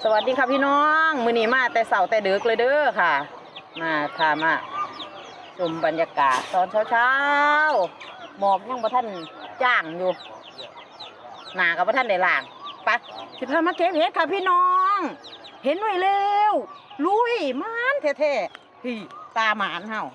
สวัสดีค่ะพี่น้องมื้อนี้มาแต่เสาร์แต่ดึกเลยเด้อค่ะมาชมบรรยากาศตอนเช้าหมอกยังบ่ทันจ้างอยู่หน้าก็บ่ทันได้ล้างไปสิพามาเก็บเห็ดค่ะพี่น้องเห็นหน่อยเร็วลุยมานแท้ๆพี่ตาหมานเฮา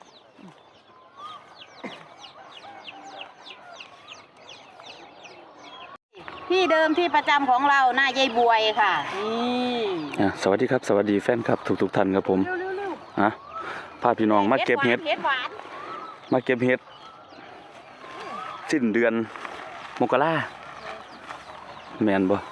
ที่เดิมที่ประจำของเราหน้ายายบวยค่ะนี่สวัสดีครับสวัสดีแฟนครับทุกท่านครับผมพาพี่น้องมาเก็บเห็ดมาเก็บเห็ดสิ้นเดือนมกราแมนบ่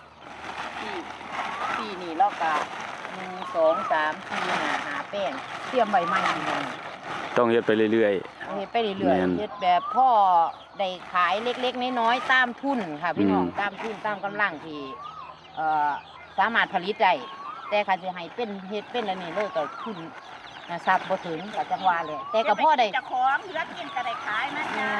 ปีนี้เราก็1 2 3 4 5 แป้งเตรียมใบไม้ต้องเฮ็ดไปเรื่อยๆเฮ็ดไปเรื่อยๆเฮ็ดแบบพ่อได้ขายเล็กๆน้อยๆตามทุนค่ะพี่น้องตามทุนตามกำลังที่สามารถผลิตได้แต่ค่ะสิให้เป็นเฮ็ดเป็นอันนี้เลยก็ทุนทรัพย์บ่ถึงก็จังว่าแหละแต่ก็พ่อได้เจ้าของเหลือกินก็ได้ขายนะจ้า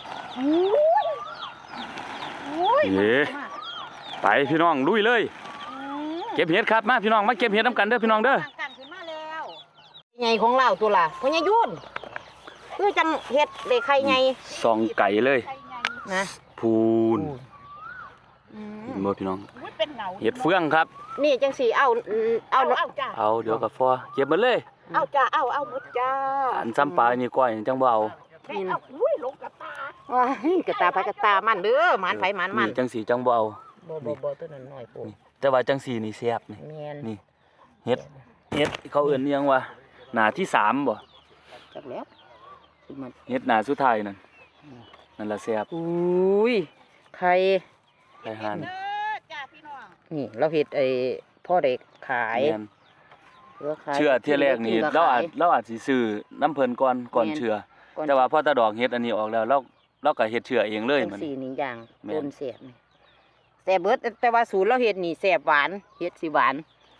ไปพี่น้องลุยเลยเก็บเห็ดครับมาพี่น้องมาเก็บเห็ดน้ำกันเด้อพี่น้องเด้อกันขึ้นมาแล้วใหญ่ของเราตัวล่ะพ่อใหญ่ยุ่นคือจังเฮ็ดได้ไข่ใหญ่ซองไก่เลยนะพูนบ่พี่น้องเห็ดเฟืองครับนี่จังสิเอาจ้าเอาเดี๋ยวกับฟอเก็บมาเลยเอาจ้าเอาหมดจ้าอันซ้ำปลานี่ก้อยจังบ่เอาอุ้ยลงกระตาว้ายกระตาไปกระตามันเด้อมันไผมันจังสีจังบ่เอาบ่ตัวนั้นน้อยปูแต่ว่าจังสีนี่แซ่บนี่นี่เฮ็ดเขาเอิ้นอิหยังวะหน้าที่3บ่จักแล้วเฮ็ดหน้าสุดท้ายนั่นล่ะแซ่บอุ้ยไข่ห่านจ้าพี่น้องนี่เราเฮ็ดไอ้พ่อได้ขายเชื่อเที่ยแรกนี่เราอาจสิซื้อน้ำเพิ่นก่อนเชื่อแต่ว่าพอตาดอกเฮ็ดอันนี้ออกแล้วเราก็เฮ็ดเชื่อเองเลยมันสีนี้อย่างต้นแซ่บนี่แซ่บเบิดแต่ว่าสูตรเราเฮ็ดนี่แซ่บหวานเฮ็ดสิหวาน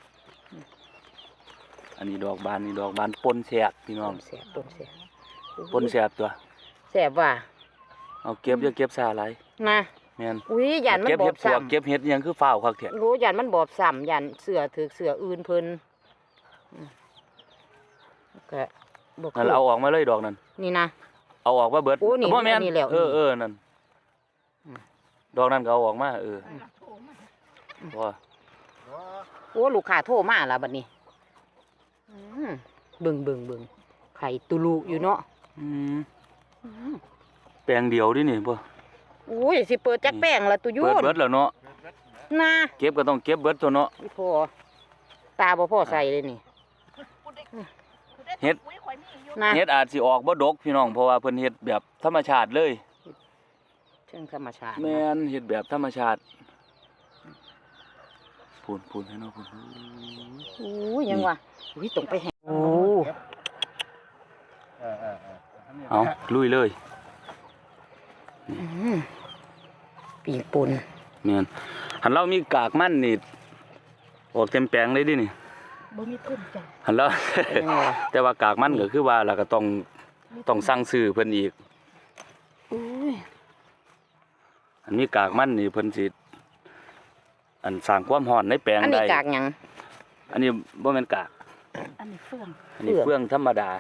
อันนี้ดอกบานปนแซ่บพี่น้องแซ่บปนแซ่บตัวแซ่บว่าเอาเก็บอย่าเก็บซาหลายนะแม่นอุ้ยยันมันบอบซ้ำเก็บเฮ็ดยังคือฟ้าวคักแท้รู้ยันมันบอบซ้ำยันเสือถือเสืออื่นเพิ่นก็บ่คือเอาออกมาเลยดอกนั้นนี่นะเอาออกมาเบิดบ่แม่นนั่นดอกนั้นก็เอาออกมาบ่โอ้ลูกค้าโทรมาแล้วบัดนี้เบิ่งไข่ตุลูอยู่เนาะแปลงเดียวดินี่บ่อุ้ยสิเปิดจักแป้งละตุยุ่นเปิดเบิดแล้วเนาะนะเก็บก็ต้องเก็บเบิดตัวเนาะพอตาบ่พอใส่เลยนี่เฮ็ดอาจสิออกบ่ดกพี่น้องเพราะว่าเพิ่นเฮ็ดแบบธรรมชาติเลยเชิงธรรมชาติแม่นเฮ็ดแบบธรรมชาติพูนให้เนาะพูนโอ้ยยังวะอุ้ยตรงไปแหงโอ้เอาลุยเลยปีกปุ่นแม่นหันเรามีกากมันนี่ออกเต็มแปลงเลยดินี่บ่มีเพิ่นจ้ะหันแล้วแต่ว่ากากมันก็คือว่าเราก็ต้องสั่งซื้อเพิ่นอีกอันนี้กากมันนี่เพิ่นสิอันสร้างความร้อนในแปลงได้อันนี้กากหยังอันนี้บ่แม่นกากอันนี้เฟืองธรรมดา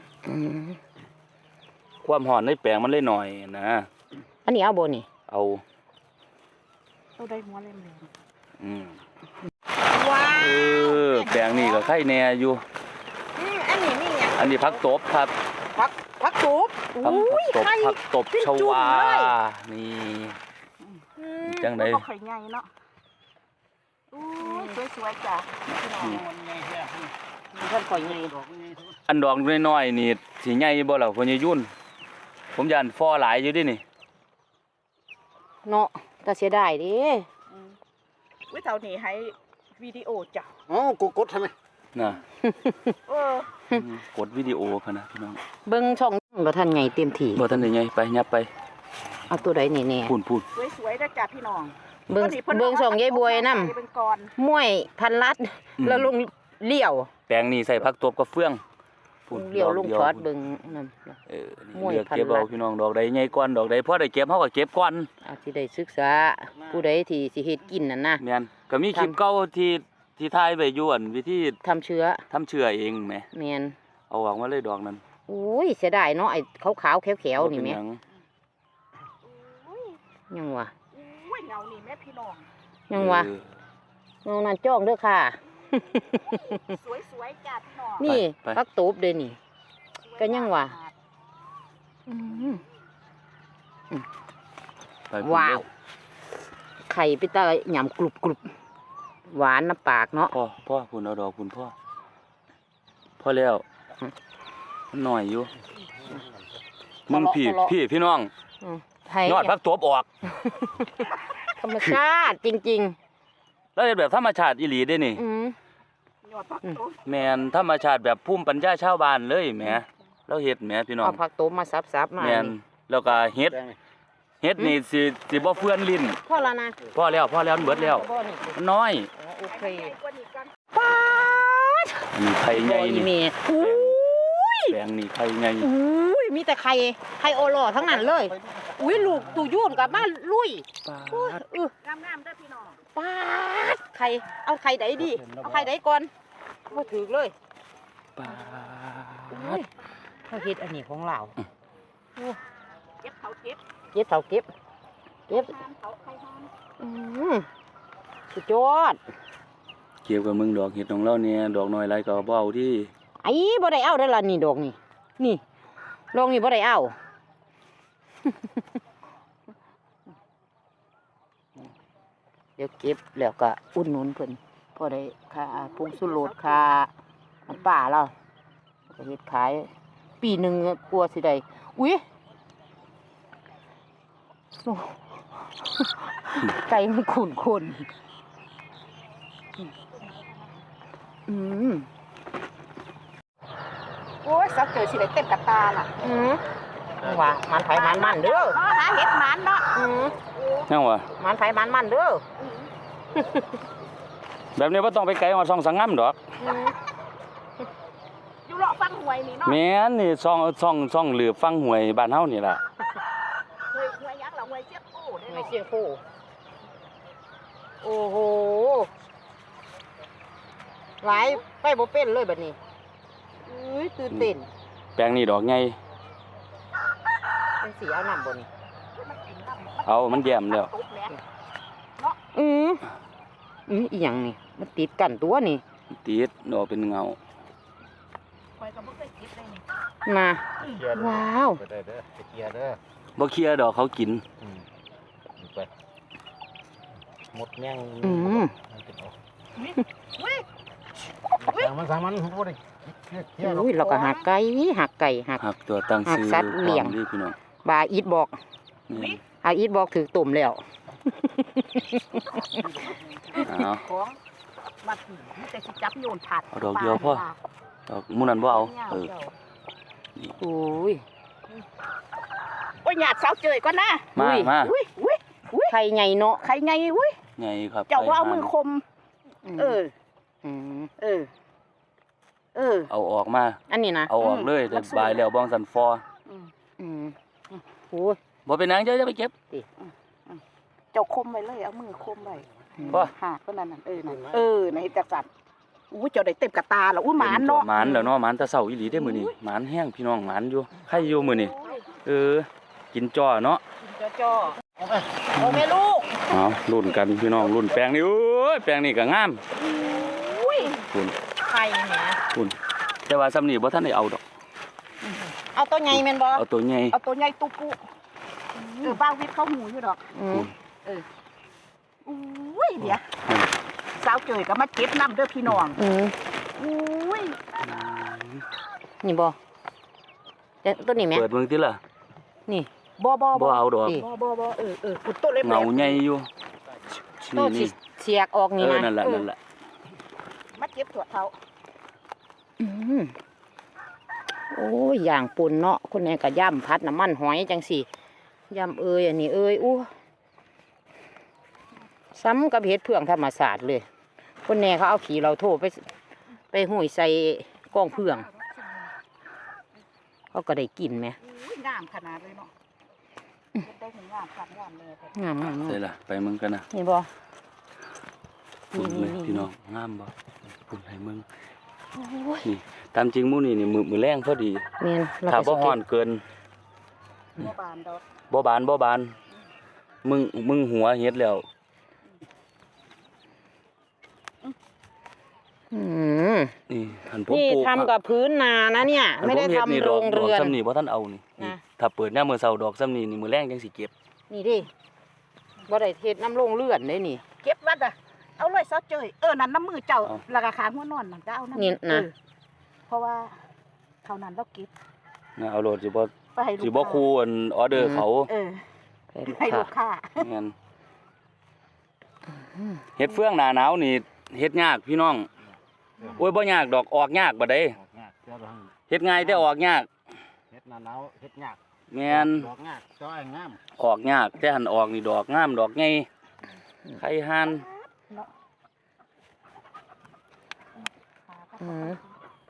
ความร้อนในแปลงมันเลยหน่อยนะอันนี้เอาบ่นี่เอาได้หัวเล่มว้าวแปลงนี่ก็ไข่แน่อยู่อันนี้นี่หยังอันนี้ผักตบครับผักตบอุ้ยผักตบชวานี่จังได๋ข่อยใหญ่เนาะสวยๆจ้ะท่านข่อยใหญ่อันดอกน้อยๆนี่สิใหญ่บ่ล่ะพ่อใหญ่ยุ่นผมย่านฟอหลายอยู่ดินี่เนาะแต่เสียดายดิวิเท่านี้ให้วิดีโอจ้ะอ๋อกดใช่ไหมน่ะกดวิดีโอพะนะพี่น้องเบิ่งช่องบ่ทันไงเต็มที่บ่ทันได้ไงไปยับไปเอาตัวใดนี่แน่พูนสวยๆนะจ้ะพี่น้องเบิ่งช่องยายบวยนำมวยพันลัดแล้วลงเลี้ยวแปลงนี้ใส่ผักตบกับเฟืองพุ่นเลี้ยวลงดกช็อตเบิ่งนั่นเออนี่มวยเลือกพันเก็บเอาลัดพี่น้องดอกใดใหญ่ก่อนดอกใดพอได้เก็บเฮาก็เก็บก่อนอาจสิได้ศึกษาผู้ใดที่สิเฮ็ดกินนั่นนะแม่นก็มีคลิปทำเก่าที่ถ่ายไว้อยู่อั่นวิธีทำเชื้อทำเชื้อเองแหมแม่นเอาออกมาเลยดอกนั้นโอ้ยเสียดายเนาะไอ้ขาวๆแขวๆนี่แหมบ่เป็หยังยังวะอุ้ยเงานี่แม่พี่น้องยังวะเออเอานั่นจ้องเด้อค่ะสวยๆจ้าพี่น้องนี่ไปพักตูบเด้อนี่ ก็ยังวะ อืมไปพุ่นว้าวเด้อไข่ไปตาหยำกรุบกรุบหวานน้ำปากเนาะพ่อพุ่นเอาดอกพุ่นพ่อพอแล้วมันน้อยอยู่มึงพี่น้องอืมไทยยอดพักตัวออกธรรมชาติจริงแล้วเฮ็ดแบบธรรมชาติอีหลีเด้นี่ๆ อืมยอดพักตัวแม่นธรรมชาติแบบภูมิปัญญาชาวบ้านเลยแหมเราเฮ็ดแหมพี่น้องเอาผักตูบมาซับๆมาแม่นนี่แล้วก็เฮ็ดนี่สิบ่เฟื่อนลิ้นพอแล้วนะพอแล้วมันเบิดแล้วบ่นี่มันน้อยอ๋อโอเคใหญ่กว่านี้กันป๊าดอันนี้ไข่ใหญ่บ่อีนี่เมอุ้ยแปลงนี่ไข่ใหญ่อุ้ยมีแต่ไข่โอโลทั้งนั้นเลย อุ้ยลูกตู่ยุ่นกับบ้านลุยปาอุ้ยดงามๆเด้อพี่น้องป๊าดไข่เอาไข่ไหนดีเอาไข่ไหนก่อนบ่ถือเลยปาอุ้ดยเขาเฮ็ดอันนี้ของเราเก็บเขาเก็บเก็บเท่าเก็บทานเขาใครทานอืมสุดยอดเกี่ยวกับมึงดอกเห็ดของเราเนี่ยดอกน้อยไรก็บ่เอาที่ไอ้บ่ได้เอาได้อล่ะนี่ดอกนี่ นี่ดอกนี่บ่ได้เอา เดี๋ยวเก็บแล้วก็อุ่นหนุนเพิ่นพอได้ค่าปรุงสุรสค่าน้ำปลาเราก็เฮ็ดขาย ปีหนึงกลัวสิได้อุ๊ยโอ้ไก่มันขุ่นคนอืมโอ้ยสักเจอสิได้เต็มกระตาล่ะอืมว่ามันไผมันเด้อหาเห็ดหมันเนาะอืมยังวะมันไผมันเด้อแบบนี้บ่ต้องไปไกลฮอดช่องสังงามดอกอืมอยู่เลาะฟังหวยนี่เนาะแม่นนี่ช่องเหลือบฟังหวยบ้านเฮานี่ล่ะหวยยักษ์ละหวยเจี๊ยบโอ้ได้ไม่เนาะเสียงโคโอ้โหหลายไปบ่เป็นเลยบัดนี้อุ้ยตื่นเต้นแปลงนี่ดอกใหญ่เป็นสีเอาน้ำบ่นี่มันกินน้ำเอามันแย้มแล้วตุ๊บแหละอืมอีหยังนี่มันติดกันตัวนี่ติดดอกเป็นเงาหวยก็บ่เคยคิดเลยนี่มาเคลียร์เด้อว้าวไปได้เด้อไปเคลียร์เด้อบ่เคลียร์ดอกเขากินไปหมดแม่งอืมมันเป็นออกอุ้ยสั่งมันบ่ได้เคลียร์หรอกอุ้ยเราก็หักไก่หักหักตัวตั้งชื่อหักสัตว์เลี้ยงพร้อมดีพี่น้องบาอีทบอกนี่อาอีทบอกถือตุ่มแล้วเอาของมาถึงมีแต่สิจับโยนผัดเอาดอกเดียวพอ ดอกหมู่นั้นบ่เอาเออโอ้ยโอ้ยหยาดเสาเจยก่อนนะมาอุ้ยมาอุ้ยอุ้ยไข่ใหญ่เนาะใครไงอุ้ยใหญ่ครับเจ้าว่าเอามือคม เอออืมเออ เออเอาออกมาอันนี้นะเอาออกเลยแต่บายแล้วบ้องสันฟออืมโอ้ยบ่เป็นหยังเจ้าจะไปเก็บเจ้าคมไว้เลย เอามือคมไว้บ่หาก็นั่นน่ะในเฮ็ดจักสันอู้เจ้าได้เต็มกระตาแล้วอู้หมานเนาะหมานแล้วเนาะหมานแตะเช้าอีหลีเด้มื้อนี้หมานแห้งพี่น้องหมานอยู่ใครอยู่มื้อนี้เออ กินจ้อเนาะจ่อโอ้แม่ลูกเอารุ่นกันพี่น้องรุ่นแปลงนี่โอ้ยแปลงนี่ก็งามอุ้ยคุณไข่เนี่ยคุณแต่ว่าซ้ำนี่บ่ทันได้เอาดอกเอาตัวใหญ่แม่นบ่เอาตัวใหญ่เอาตัวใหญ่ตุปุบ้าวิทย์เข้าหูอยู่ดอกอืมอุ้ยเดี๋ยวสาวเจยก็มาเก็บน้ำเด้อพี่น้องอืมอุ้ยนี่บ่แต่ตัวนี้แม่เปิดเบิ่งติล่ะนี่บ่บ่บ่เอาดอกนี่บ่คุณต้นเล็บเงาใหญ่อยู่ตัวนี่สินี่เสียกออกเอนี่อนะนั่นแหละนั่นแหละมาเก็บถั่วเท้าอืมโอ้ยอย่างปุ่นเนาะคนนี้ก็ย่ำพัดน้ำมันหอยจังสิย่ำอันนี้อู้ซ้ำกับเห็ดเพื่องธรรมศาสตร์เลย คนแน่เขาเอาขี่เราโทไปหุยใส่กองเพื่องเขาก็ได้กินไหมอุ้ยงามขนาดเลยเนาะได้ถึงงามขัดงามเลยงามงามใส่ล่ะไปมึงกันนะนี่บ่ปุ่นเลยนี่พี่น้องงามบ่ปุ่นให้มึงโอ้ยนี่ตามจริงหมู่นี่มือแรงพอดีแม่นเราถ้าก็บ่สิฮ้อนเกินบ่บานดอกบ่บานมึงหัวเฮ็ดแล้วอืมนี่หันผมนี่ปลูกทำกับพื้นนานะเนี่ยหันไม่ได้ผเฮ็ทำนี่โรงดอกเรือนซ้ำนี่บ่ทันเอานี่นะถ้าเปิดยามมื้อเช้าดอกซ้ำนี่นี่มื้อแรงจังสิเก็บนี่ดิบ่ได้เฮ็ดน้ำโรงเรือนได้นี่เก็บวัดอ่ะเอาเลยซอสเจยนั่นน้ำมือเจ้าแล้วก็ขาหัวนอนนั่นก็เอาน้ำนี่นะเพราะว่าเท่านั้นเราเก็บนะเอาโลดสิบ่ไปให้ลูกสิบ่คูอันออเดอร์เขาให้ลูกค้าแม่นเฮ็ดเฟืองหน้าหนาวนี่เฮ็ดยากพี่น้องโอ้ยบ่ยากดอกออกยากบ่ได้ออกยากเจ้าทางเฮ็ดง่ายแต่ออกยากเฮ็ดหน้าหนาวเฮ็ดยากแม่นดอกยากจ้อยงามออกยากแต่หันออกนี่ดอกงามดอกใหญ่ไข่ห่านอืม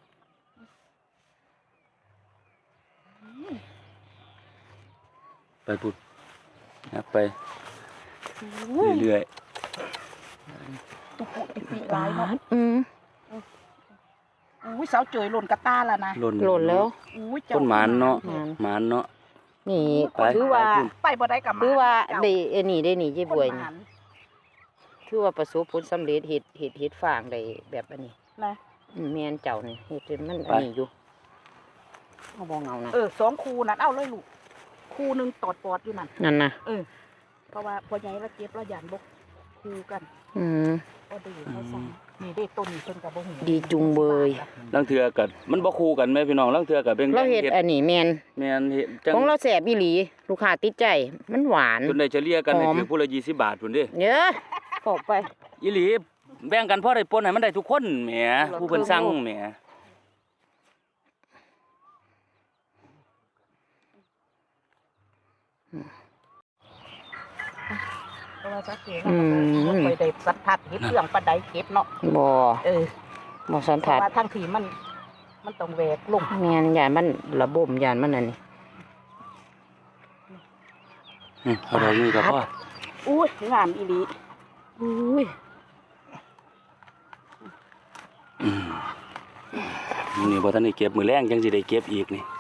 ไปพุดนับไปเรื่อยหลายเนาะอืมอุ้ยเสาเจยหล่นกระตาแล้วนะๆหล่นหล่นแล้วอุ้ยต้นหมานเนาะหมานหมานเนาะนี่ไปถือว่าไปบ่ได้กับถือว่าเจ้ได้อันนี้ได้นี่เจ๊บวยคนหนี่มานถือว่าประสบผลสำเร็จเฮ็ดฟางได้แบบอันนี้นะแม่นเจ้านี่เฮ็ดจนมันอันนี้อยู่เอาบ่เงานะ 2คูนั่นเอาเลยลูกคูหนึงตอดปอดอยู่นั่นนั่นนะเพราะว่าพอใหญ่ละเจ็บละยันบกคูกันอืมก็ดีเขาสั่งนี่ได้ต้นนี้ต้นกับบ่หูดีจุงเบยลางเทื่อก็มันบ่คู่กันแม่พี่น้องลางเทื่อก็เป็นเราเฮ็ดอันนี้แม่นแม่นเฮ็ดจังของเราแซ่บอีหลีลูกค้าติดใจมันหวานจนได้เฉลี่ยกันให้หอมถือผู้ละ20 บาทพุ่นเด้เยอะพอกไปอีหลีแบ่งกันพอได้ปนให้มันได้ทุกคนแหมผู้เพิ่นสั่งแหมเพราะว่าสักเกตบ่ค่อยได้สัมผัสเฮ็ดเครื่องปานใดเก็บเนาะบ่เบ่สันเพทัราะดว่าทั้งทีมันต้องแหวกลงแม่นยานมันระบบยานมันอันนี้เอาดอกนี้ก็พออุ้ยงามอีหลีอุ้ยนี่บ่ทันได้เก็บมื้อแรงจังสิได้เก็บอีกนี่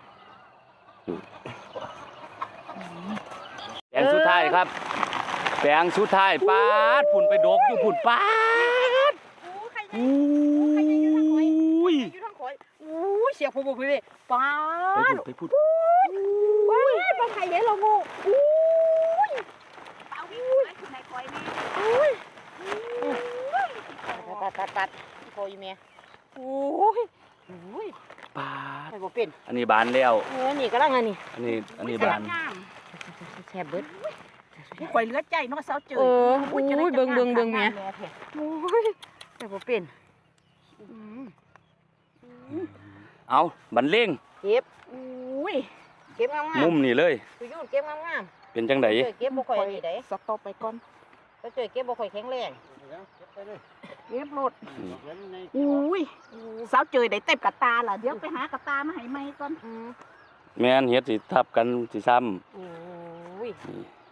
แปลงสุดท้ายครับแปลงสุดท้ายปาดพุ่นไปดกอยู่พุ่นปาดใครอุ้ยอยู่ทางข่อยอุ้ยเสียงผู้บ่พี่ป้าไปพูดอุ้ยบ่ใครเห็นเรางูอุ้ยเอาอุ้ยขึ้นในข่อยแม่อุ้ยตัดโคยแม่อุ้ยอุ้ยปาดไปบ่เป็นอันนี้บานแล้วนี่กำลังอันนี้อันนี้บานงามแซ่บเบิดข่อยเหลือใจเนาะเสาเจออุ้ยเบิ่งแม่แท้อุ้ยไปบ่เป็นเอาบันเล่งเก็บอุ้ยเก็บงามมุมนี่เลยๆไปอยู่เก็บงามเป็นจังไดๆเก็บบ่ค่อยอันนี้ได้สต็อปไปก่อนก็เจอเก็บบ่ค่อยแข็งแรงเก็บรถอุ้ยเสาเจอได้เต็มกระตาล่ะเดี๋ยวไปหากระตามาให้ใหม่ก่อนแม่นเฮ็ดสิทับกันสิซ้ำอุ้ย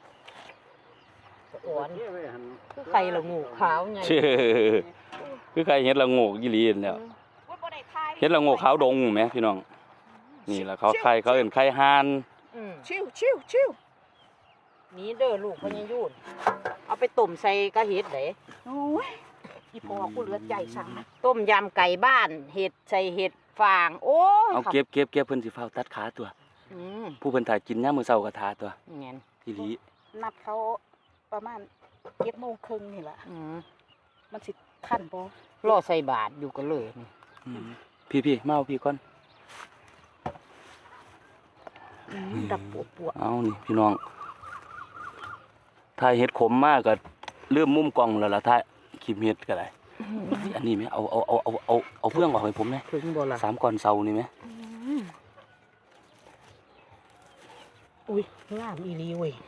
อ่อนคือไข่ละงูขาวไงเชื่อคือใครเฮ็ดละโงกอีหลีนั่นแหล้วเฮ็ดละโงกขาวดงแหมพี่น้องนี่ล่ะเขาไข่เขาเอิ้นไข่ห่านชิวนี่เด้อลูกพญายุนเอาไปต้มใส่กะเห็ดเด้โอ้ยอีพ่อกูเหลือใจสั่งนะต้มยำไก่บ้านเห็ดใส่เห็ดฟางโอ้ยเอาเก็บเพิ่นสิฟ้าวตัดขาตัวอืมผู้เพิ่นถ่ายกินยามมื้อเช้าก็ทาตัวแม่นอีหลีนัดเขาประมาณ7:30นี่ล่ะอืมมันสิทันบ่รอใส่บาตรอยู่กันเลยนี่พี่มาเอาพี่ก่อนดับปวดเอานี่พี่น้องถ่ายเฮ็ดขมมากก็ลืมมุมกล้องแล้วล่ะถ่ายคลิปเฮ็ดก็ได้อันนี้แม่เอาเฟืองออกให้ผมแหน่ถึงบ่ล่ะ 3ก้อนเซานี่แหมอุ้ยงามอีหลีเว้ย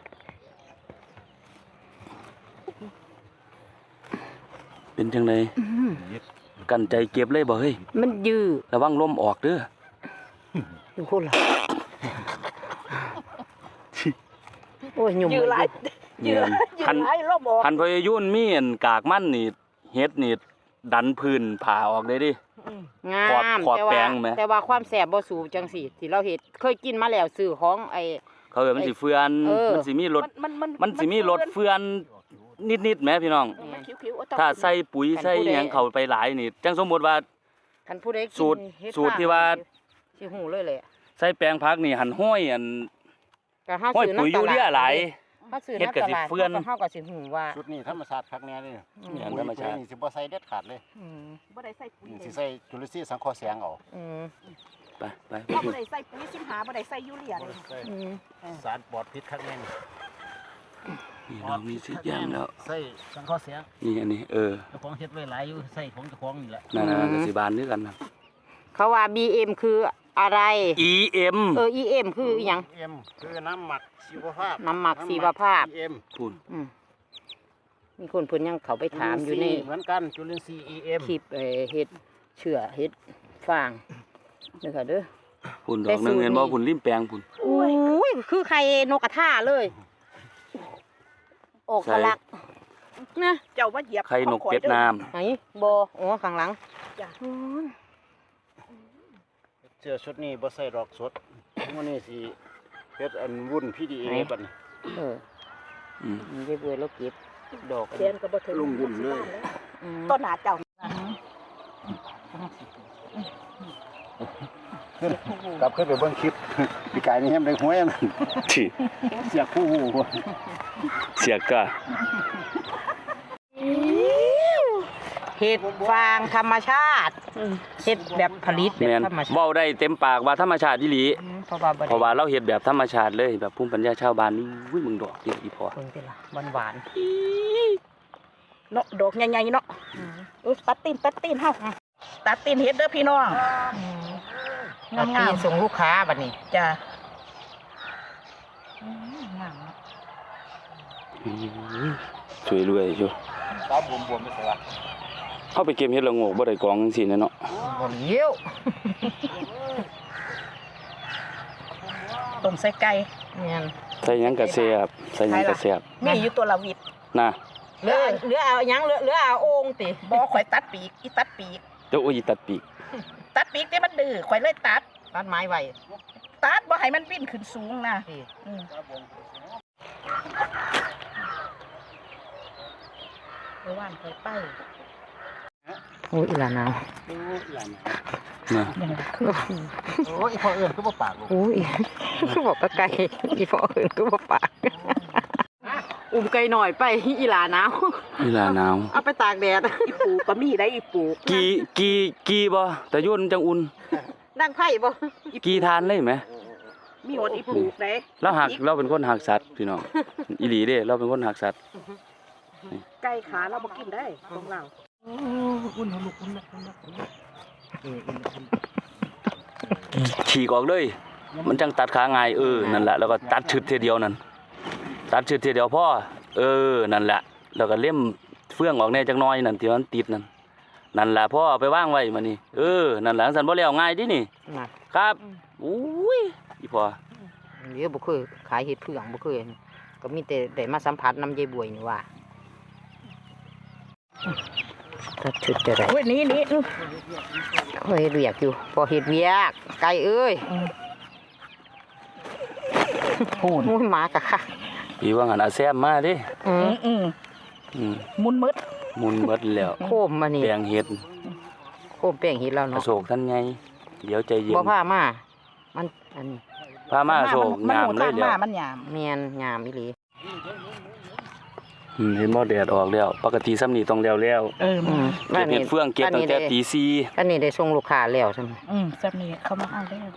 เป็นจังไดกั้นใจเก็บเลยบ่เฮ้ยมันยืดระวังลมออกเด้ออยู่คนละโอ้ยยุ่งยื้อหลายเนี่ยยื้คัอน หลายรอบบอกคันพยายุ่นมีอันกากมันนี่เฮ็ดนี่ดันพื้นผ่าออกได้ดิงามขอบแปลงไหมแต่ว่าความแสบบ่สูจังสิที่เราเฮ็ดเคยกินมาแล้วซื้อของไอ้เขาเอิ้นมันสิเฟือนเออมันสิมีรส มันสิมีรสเฟื่อนเฟือนนิดๆแหมพี่น้องมันคิ้วๆเอต้องถ้าใส่ปุ๋ยใส่หยังเข้าไปหลายนี่จังสมมุติว่าคันผู้ใดกินสูตรเฮ็ดสูตรที่ว่าสิหูเลยแหละใส่แปลงผักนี่หั่นห้อยอันก็เฮาห้อยซื้อปุ๋ยน้ำยูเรียหลายเฮาซื้อเฮ็ดก็น้ำตสิลาดเฟื่อนเฮาก็สิหูว่าชุดนี้ธรรมชาติคักแน่เลยนี่ธรรมชาตินี่สิบ่ใส่เด็ดขาดเลยบ่ได้ใส่ปุ๋ยนี่เลสิยใส่จุลินทรีย์สังเคราะห์แสงเอาอืมไปไปเพราะบ่ได้ใส่ปุ๋ยสิมหาบ่ได้ใส่ยูเรียเลยอืมสารปลอดพิษคักแน่นี่นี่เรามีสิอย่างแล้วใส่สังเคราะห์แสงนี่อันนี้เจ้าของเฮ็ดไว้หลายอยู่ใส่ของเจ้าของนี่แหละนั่นๆก็สิบานด้วยกันนะเขาว่า BM คืออะไร EM EM คืออีหยังเอ็มคือน้ำหมักชีวภาพน้ำหมักชีวภาพเอ็มพูนอืมมีคนเพิ่นยังเขาไปถามอยู่ในเหมือนกันจุลินทรีย์ EM คลิปเฮ็ดเชื่อเฮ็ดฟางเด้อค่ะเด้อพูนดอกหนึงเห็นบ่พูนริมแปลงพูนอุ้ยคือไข่นกกระทาเลยออกทะลักนะเจ้าว่าเหยียบไข่นกเป็ดน้ำไหนบ่อ๋อข้างหลังจ้ะอืมเสื้อชุดนี้บ่ใส่ดอกสดมื้อนี้สิเฮ็ดอันวุ่น PDA บัดนี้เอออืมมันได้เบื่อแล้วเก็บดอกเรียนก็บ่ถึงลงวุ่นเลยอืมต้นหนาเจ้ากลับขึ้นไปเบิ่งคลิป พี่กายนี่แฮมได้หวยมันที่เสียคู่หูเสียกะเห็ดฟางธรรมชาติเห็ดแบบผลิตแบแม่บนธรรมชาติเว้าได้เต็มปากว่าธรรมชาติอีหลีเพราะว่าบ่เพราะได้ว่าเราเฮ็ดแบบธรรมชาติเลยแบบภูมิปัญญาชาวบ้านนี่อุ้ยมึงดอกเดียวอีพอเพิ่นเป็นล่ะหวานเนาะดอกใหญ่ๆเนาะๆตัดตีนเฮาตัดตีนเฮ็ดเด้อพี่น้องตัดตีนส่งลูกค้าบัดนี้จ้ะช่วยรวยอยู่ตาบวมๆไม่ใช่ว่าเฮาไปเก็บเฮ็ดละโงกบ่ได้กองจังซี่นะเนาะบ่เลี้ยวต้มใส่ไก่แม่นใส่หยังก็แซ่บใส่หยังก็แซ่บมีอยู่ตัวละวิดนะเหลือเอาหยังเหลือเอาโอ่งติบ่ข่อยตัดปีกอีตัดปีกเจ้าโอ้ยตัดปีกตัดปีกแต่มันดื้อข่อยเลยตัดตัดไม้ไว้ตัดบ่ให้มันวิ่นขึ้นสูงนะติอืมไปว่านข่อยไปโอ้ยอีหลาหนาวนะโอ้ยพอเอิ้นคือบ่ปากลูกโอ้ยคือบอกก็ไก่อีพ่ออื่นคือบ่ปากอุ้มไก่หน่อยไปอีหลาหนาวเวลาหนาวเอาไปตากแดดอีปูก็มีได้อีปูกีบ่แต่ยุ่นจังอุ่นดังไผ่บ่กีทานเลยไหมมีหดอีปูได้เราเป็นคนหักสัตว์พี่น้องอีหลีเด้เราเป็นคนหักสัตว์ไก่ขาเราบ่กินได้ของเราฉีกออกเลย มันจังตัดขาง่ายนั่นแหละแล้วก็ตัดชึดทีเดียวนั่นตัดชึดทีเดียวพ่อนั่นแหละแล้วก็เล่มเฟื่องออกแน่จักหน้อยนั่นที่มันติดนั่นแหละพ่อเอาไปวางไว้มานี่นั่นแหละสันบ่แล้วง่ายดินี่น่ะครับอุ้ยอีพ่อเดี๋ยวบ่เคยขายเห็ดเผืองบ่เคยก็มีแต่ได้มาสัมผัสน้ำยายบวยนี่ว่าตัดชุดจะได้โอ้ยนี่เฮ้ยเรียกอยู่พอเห็ดเวียกไก่เอ้ยพูนมุ้ยหมากะค่ะอีว่าหันอาแซมมาเดิอืมอืมมุนมืดมุนเบิดแล้วโคมมานี่แปลงเห็ดโคมแป้งเห็ดแล้วอเนาะโศกท่านไงเดี๋ยวใจเย็นบ่พามามันอันนี้พามาอโศกงามเลยเดี๋เดี๋ยวมันยามแม่นงามอีหลีเห็นบ่แดดออกแล้ว ปกติซ้ำนี่ต้องแล้วอืมเก็บเห็ดเฟื่องเก็บตั้งแต่ตีสี่อันนี้ได้ส่งลูกค้าแล้วใช่ไหมสับนี้เขามาเอาแล้ว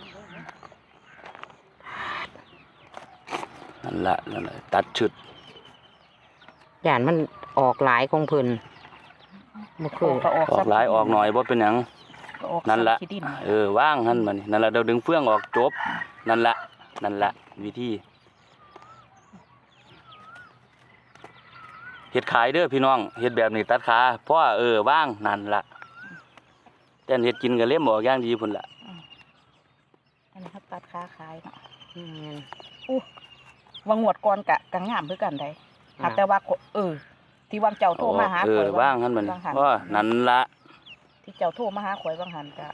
นั่นละตัดชุดย่านมันออกหลายของเพิ่นบ่เคยออกหลายออกหน่อยบ่เป็นหยัง นั่นละขี้ดินว่างหั่นมานี่นั่นละเดี๋ยวดึงเฟื่องออกจบนั่นละวิธีเฮ็ดขายเด้อพี่น้องเฮ็ดแบบนี้ตัดขาเพราะว่าว่างนั่นละแต่เฮ็ดกินก็เล่มออกอย่างดีพุ่นละนี้เขาตัดค้าขายเนาะอืมวางงวดก่อนกะงามคือกันได้หากแต่ว่าที่วางเจ้าโทรมาหาเอข่ออยว่างหั่นมันวางหันว่านั่นละที่เจ้าโทรมาหาข่อยวางหันกะ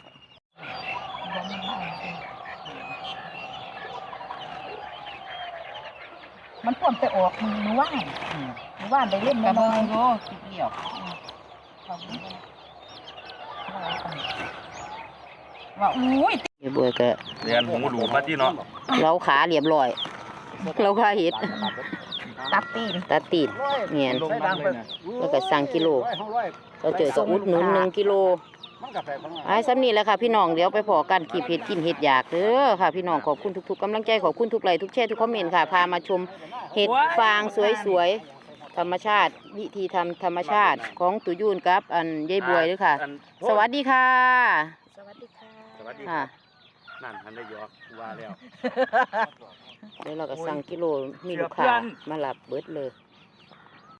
มันพ่วงไปออกมือว่านมือว่านได้เล่นกระน้เบื้อองยโยคิดเดียวว่าอุ้ยเดี๋ยวบัวก็เรียนหูดูมาที่เนาะเราขาเรียบร้อย เราขาเห็ดตัดตีนตาตีดเงียนใส่ดังไปแล้วก็สั่งกิโล เราเจอกับอุดหนุน1 กิโลมันกาแฟข้างหน้าไอ้ซ้ำนี่แหละค่ะพี่น้องเดี๋ยวไปพอกันขีบเห็ดกินเห็ดอยากเด้อค่ะพี่น้องขอบคุณทุกๆกำลังใจขอบคุณทุกไลค์ทุกแชร์ทุกคอมเมนต์ค่ะพามาชมเห็ดฟางสวยๆธรรมชาติวิธีทำธรรมชาติของตุยูนกับอันยายบวยด้วยค่ะ สวัสดีค่ะสวัสดีค่ะสวัสดีค่ะนั่นทันได้ยอกว่าแล้วเดี๋ยวเราก็สั่งกิโลมีลูกค้ามารับเบิดเลย